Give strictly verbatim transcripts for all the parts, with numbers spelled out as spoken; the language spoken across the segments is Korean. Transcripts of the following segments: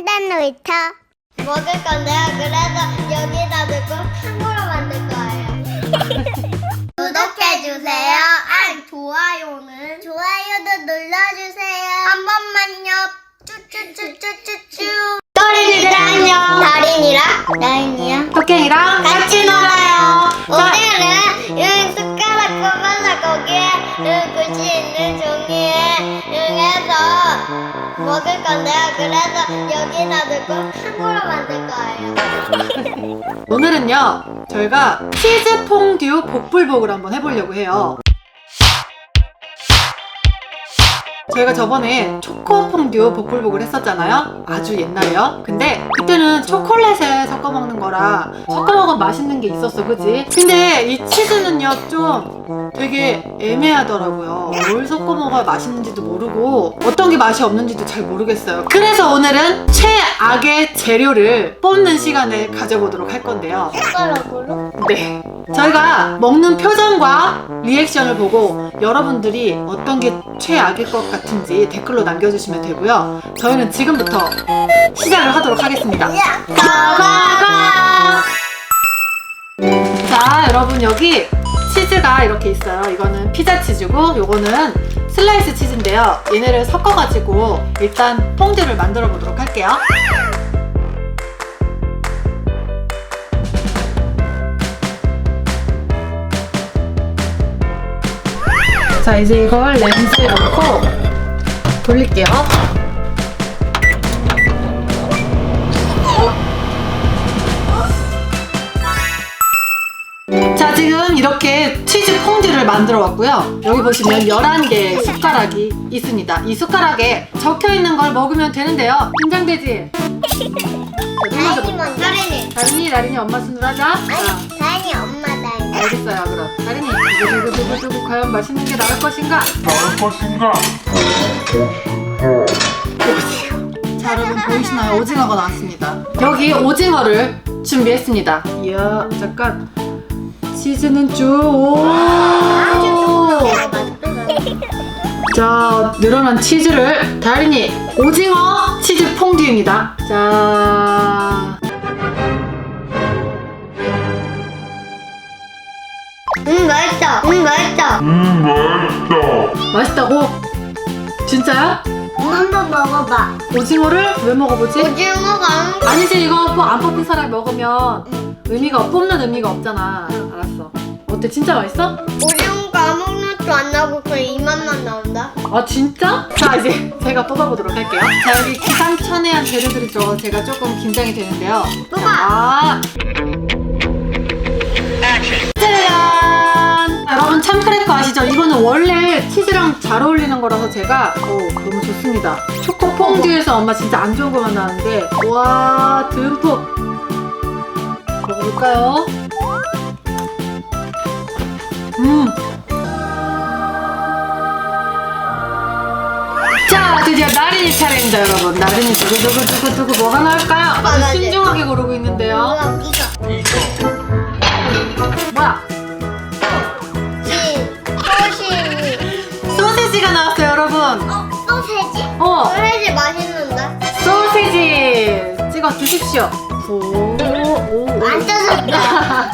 샌드위치 먹을 건데요. 그래서 여기다 넣고 탕후루 만들 거예요. 구독해주세요. 아, 좋아요는 좋아요도 눌러주세요. 한 번만요. 쭈쭈쭈쭈쭈쭈. 또린이들 안녕. 다린이랑 나인이랑 토끼이랑 같이 놀아요. 오늘은 이 숟가락 꼽아서 거기에 이 글씨 있는 종이에 응해서 먹을 건데요. 그래서 여기다 넣고 탕후루 만들 거예요. 오늘은요 저희가 치즈 퐁듀 복불복을 한번 해보려고 해요. 저희가 저번에 초코 퐁듀 복불복을 했었잖아요. 아주 옛날에요. 근데 그때는 초콜릿에 섞어 먹는 거라 섞어 먹으면 맛있는 게 있었어, 그지? 근데 이 치즈는요 좀 되게 애매하더라고요. 뭘 섞어 먹어야 맛있는지도 모르고 어떤 게 맛이 없는지도 잘 모르겠어요. 그래서 오늘은 최악의 재료를 뽑는 시간을 가져보도록 할 건데요. 숟가락으로? 네, 저희가 먹는 표정과 리액션을 보고 여러분들이 어떤 게 최악일 것 같은지 댓글로 남겨주시면 되고요. 저희는 지금부터 시작을 하도록 하겠습니다. 가가가. 자, 여러분 여기 치즈가 이렇게 있어요. 이거는 피자 치즈고 요거는 슬라이스 치즈인데요. 얘네를 섞어가지고 일단 퐁듀를 만들어 보도록 할게요. 자, 이제 이걸 렌즈에 넣고 돌릴게요. 자, 지금 이렇게 치즈 퐁듀를 만들어 왔고요. 여기 보시면 열한 개의 숟가락이 있습니다. 이 숟가락에 적혀 있는 걸 먹으면 되는데요. 긴장되지? 다인이 먼저. 다린이. 다린이, 나린이 엄마 순으로 하자. 자, 아니, 다인이 엄마 다인이. 알겠어요. 그럼 다린이, 두구두구두구두구 과연 맛있는 게 나올 것인가? 나올 것인가? 오징어. 자, 여러분 보이시나요? 오징어가 나왔습니다. 여기 오징어를 준비했습니다. 이야, 잠깐. 치즈는 쭉. 오. 자, 늘어난 치즈를 다린이 오징어 치즈 퐁듀입니다. 자. 음, 맛있다. 음, 맛있다. 음, 맛있다. 맛있다고? 진짜야? 한번 먹어봐. 오징어를 왜 먹어보지? 오징어가 아니지, 이거 뭐 안 뽑힌 사람이 먹으면 의미가 없- 뽑는 의미가 없잖아. 알았어. 어때? 진짜 맛있어? 오징어가 아무 맛도 안 나고 그냥 이 맛만 나온다. 아, 진짜? 자, 이제 제가 뽑아보도록 할게요. 자, 여기 기상천외한 재료들이 들어가서 제가 조금 긴장이 되는데요. 뽑아. 아. 짜잔! 여러분 참크래커 아시죠? 이거는 원래 치즈랑 잘 어울리는 거라서 제가 오, 너무 좋습니다. 초코 퐁듀에서 엄마 진짜 안 좋은 거만 나왔는데 와, 듬뿍 먹어볼까요? 음. 자, 드디어 나린이 차례입니다, 여러분. 나린이 두구두구두구두구 뭐가 나올까요? 아주 맞아. 신중하게 고르고 있는데요. 그럼 이거. 뭐야? 치, 소시지. 소시지가 나왔어요, 여러분. 어, 소세지? 어, 소세지 맛있는데? 소시지 찍어 드십시오. 오, 오, 안 뜯었다.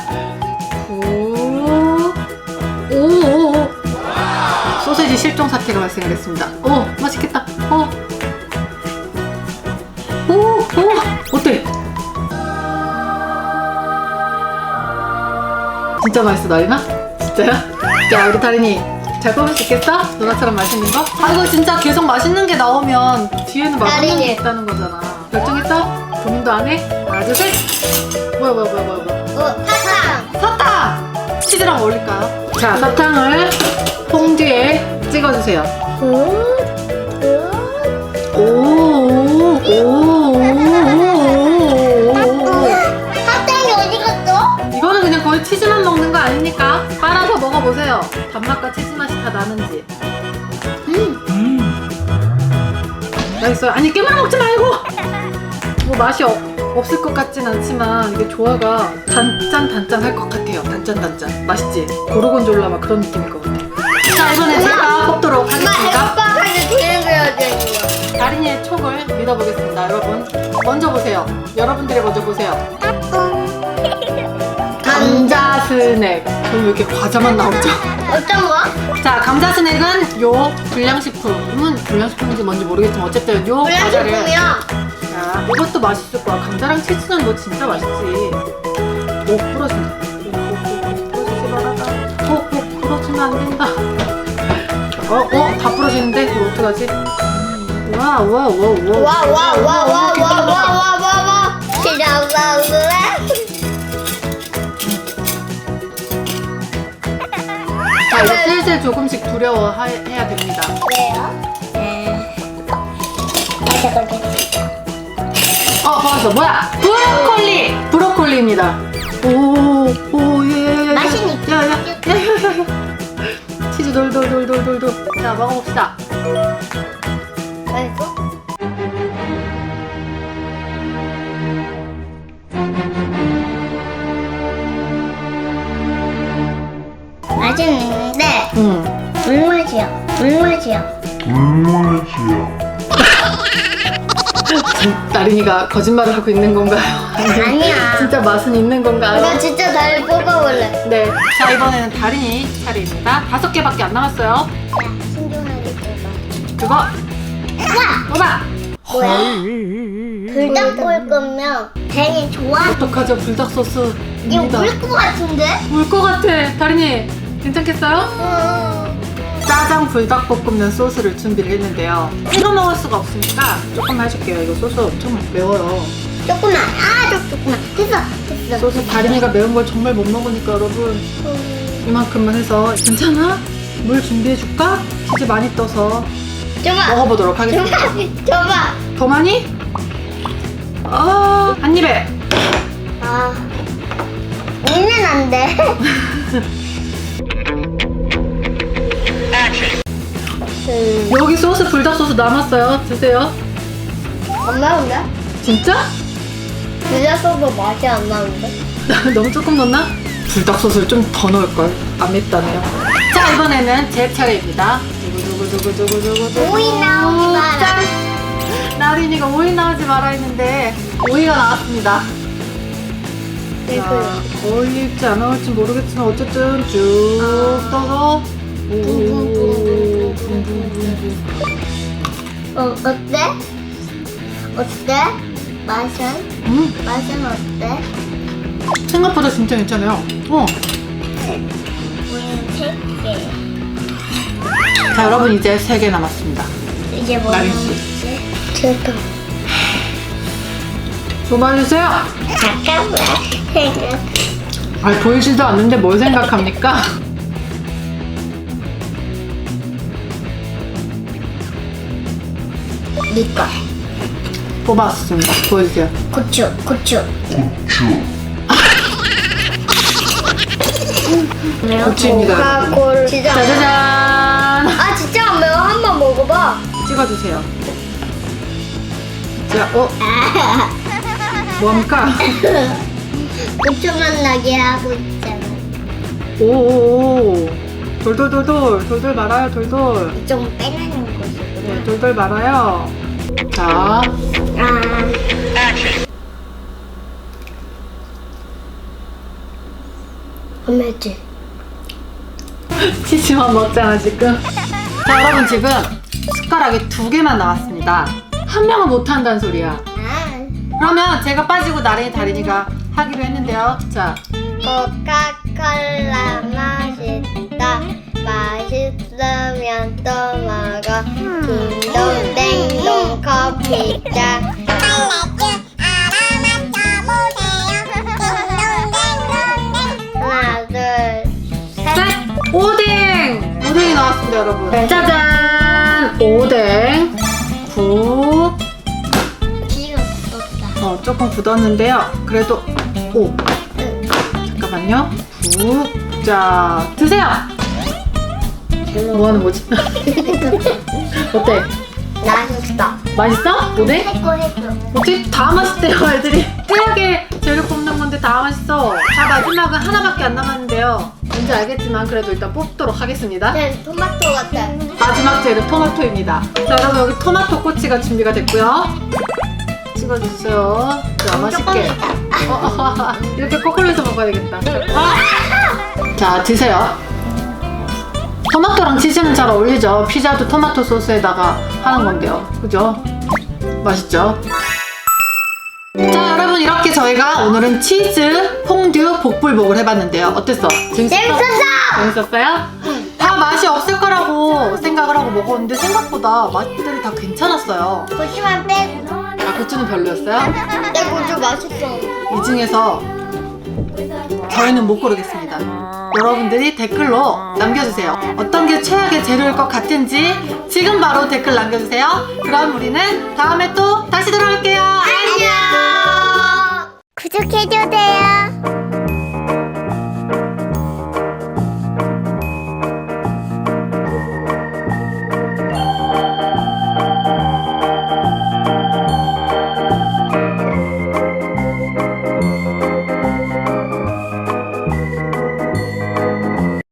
오, 오, 오. 소시지 실종 사태가 발생했습니다. 오, 맛있겠다. 오, 오, 오, 어때? 진짜 맛있어, 나리나? 진짜요? 자, 우리 다린이 잘 뽑을 수 있겠어? 누나처럼 맛있는 거? 아, 이거 진짜 계속 맛있는 게 나오면 뒤에는 맛없는 게 다린이. 있다는 거잖아. 결정했어? 고민도 안 해? 하나, 둘, 셋! 뭐야, 뭐야, 뭐야, 뭐야, 뭐야. 어, 사탕. 사탕! 치즈랑 어울릴까요? 자, 사탕을 퐁듀에 찍어주세요. 오, 오, 오, 오, 오, 오. 사탕이 어디 갔어? 이거는 그냥 거의 치즈만 먹는 거 아닙니까? 빨아서 먹어보세요. 단맛과 치즈 맛이 다 나는지. 음, 음, 맛있어요. 아니, 깨물어 먹지 말고! 뭐 맛이 없, 없을 것 같진 않지만 이게 조화가 단짠 단짠 할 것 같아요. 단짠 단짠. 맛있지? 고르곤졸라 막 그런 느낌일 것 같아. 자, 이번에 제가 뽑도록 엄마 하겠습니다. 해먹방하게 뒤에 그려져 있는 거. 다린이의 촉을 믿어보겠습니다. 여러분 먼저 보세요. 여러분들이 먼저 보세요. 감자 스낵. 그럼 왜 이렇게 과자만 나오죠? 어떤 거? 자, 감자 스낵은 요 불량식품은 불량식품인지 뭔지 모르겠지만 어쨌든 요 과자를. 불량식품이야. 자, 이것도 맛있을 거야. 감자랑 치즈는 뭐 진짜 맛있지. 오, 부러진다. 오, 오, 오, 부러지지 말아라. 오, 오, 부러지면 안 된다. 어, 어, 다 부러지는데? 이거 어떡하지? 와, 와, 와, 와. 와, 와, 와, 와, 와, 와, 와, 와, 와. 시작하래. 자, 이제 슬슬 조금씩 두려워해야 됩니다. 왜요? 네. 어, 봤어. 뭐야? 브로콜리! 브로콜리입니다. 오, 오, 예, 예. 맛있니? 야, 야, 야, 야, 야, 야. 치즈 돌돌돌돌돌돌. 자, 먹어봅시다. 맛있어? 맛있는데 응. 물맛이야. 물맛이야. 물맛이야. 나린이가 거짓말을 하고 있는 건가요? 아니야. 진짜 맛은 있는 건가요? 나 진짜 다리 뽑아볼래. 네. 자, 이번에는 다린이 차례입니다. 다섯 개밖에 안 남았어요. 야, 신중하게 뽑아. 그거 뽑아. 뭐야? 불닭 볶을 거면 되게 좋아. 어떡하죠? 불닭 이거 소스입니다. 물것 같은데? 울 것 같아. 다린이 괜찮겠어요? 응. 짜장 불닭볶음면 소스를 준비를 했는데요. 찍어 먹을 수가 없으니까 조금 해줄게요. 이거 소스 엄청 매워요. 조금만. 아, 좀 조금만. 됐어. 됐어. 소스 다린이가 매운 걸 정말 못 먹으니까 여러분 음. 이만큼만 해서 괜찮아? 물 준비해줄까? 치즈 많이 떠서 줘봐. 먹어보도록 하겠습니다. 줘봐. 줘봐. 더 많이? 아, 한 입에. 아. 있는 안 돼. 음. 여기 소스 불닭 소스 남았어요. 드세요. 안 나온다? 진짜? 불닭 소스 맛이 안 나는데? 너무 조금 넣나? 불닭 소스를 좀 더 넣을걸. 안 맵다네요. 자, 이번에는 제 차례입니다. 두구두구두구두구두구. 오이 나오지 마라. 짠! 나린이가 오이 나오지 마라 했는데 오이가 나왔습니다. 네, 자, 어울릴지 안 어울릴지 모르겠지만 어쨌든 쭉 떠서 오, 붕붕붕붕. 어, 어때? 어때? 맛은? 음, 맛은 어때? 생각보다 진짜 괜찮아요. 어. 우리는 세 개. 자, 여러분 이제 세 개 남았습니다. 이제 뭐 나린 씨. 남았지? 제가. 뽑아주세요. 잠깐만. 생각. 아, 보이지도 않는데 뭘 생각합니까? 니꺼. 뽑았습니다. 보여주세요. 고추, 고추. 고추. 고추입니다. 콜. 진짜. 짜자잔! 아, 진짜 안 매워. 한번 먹어봐. 찍어주세요. 자, 어? 뭐합니까? 고추만 나게 하고 있잖아. 오오오. 돌돌돌돌. 돌돌 말아요, 돌돌. 좀 빼내는 네, 것이구나. 돌돌 말아요. 자, 아. 안 맵지? 치즈만 먹잖아, 지금. 자, 여러분 지금 숟가락이 두 개만 나왔습니다. 한 명은 못한다는 소리야. 아. 그러면 제가 빠지고 나린이 다린이가 하기로 했는데요. 자, 코카콜라 맛있다. 맛있으면 또 먹어. 딩동댕동 커피잔. 하나, 둘, 셋. 셋! 오뎅! 오뎅이 나왔습니다, 여러분. 짜잔! 오뎅. 국. 기가 붙었다. 어, 조금 굳었는데요. 그래도, 오. 잠깐만요. 국. 자, 드세요! 뭐 하는 거지? 어때? 맛있어. 맛있어? 오뎅? 해고 해고. 어떻게 다 맛있대요, 애들이. 뽀얗게 재료 뽑는 건데 다 맛있어. 자, 마지막은 하나밖에 안 남았는데요. 뭔지 알겠지만 그래도 일단 뽑도록 하겠습니다. 난 토마토 같아. 마지막 재료 토마토입니다. 자, 여러분 여기 토마토 꼬치가 준비가 됐고요. 찍어주세요. 자, 맛있게. 어, 이렇게 거꾸로해서 먹어야 되겠다. 자, 드세요. 토마토랑 치즈는 잘 어울리죠. 피자도 토마토 소스에다가 하는 건데요. 그죠? 맛있죠? 자, 여러분 이렇게 저희가 오늘은 치즈 퐁듀 복불복을 해봤는데요. 어땠어? 재밌었어? 재밌었어! 재밌었어요? 다 맛이 없을 거라고 생각을 하고 먹었는데 생각보다 맛들이 다 괜찮았어요. 고추만 빼고. 아, 고추는 별로였어요? 내 고추 맛있어. 이 중에서 저희는 못 고르겠습니다. 여러분들이 댓글로 남겨주세요. 어떤 게 최악의 재료일 것 같은지 지금 바로 댓글 남겨주세요. 그럼 우리는 다음에 또 다시 돌아올게요. 안녕. 구독해줘세요.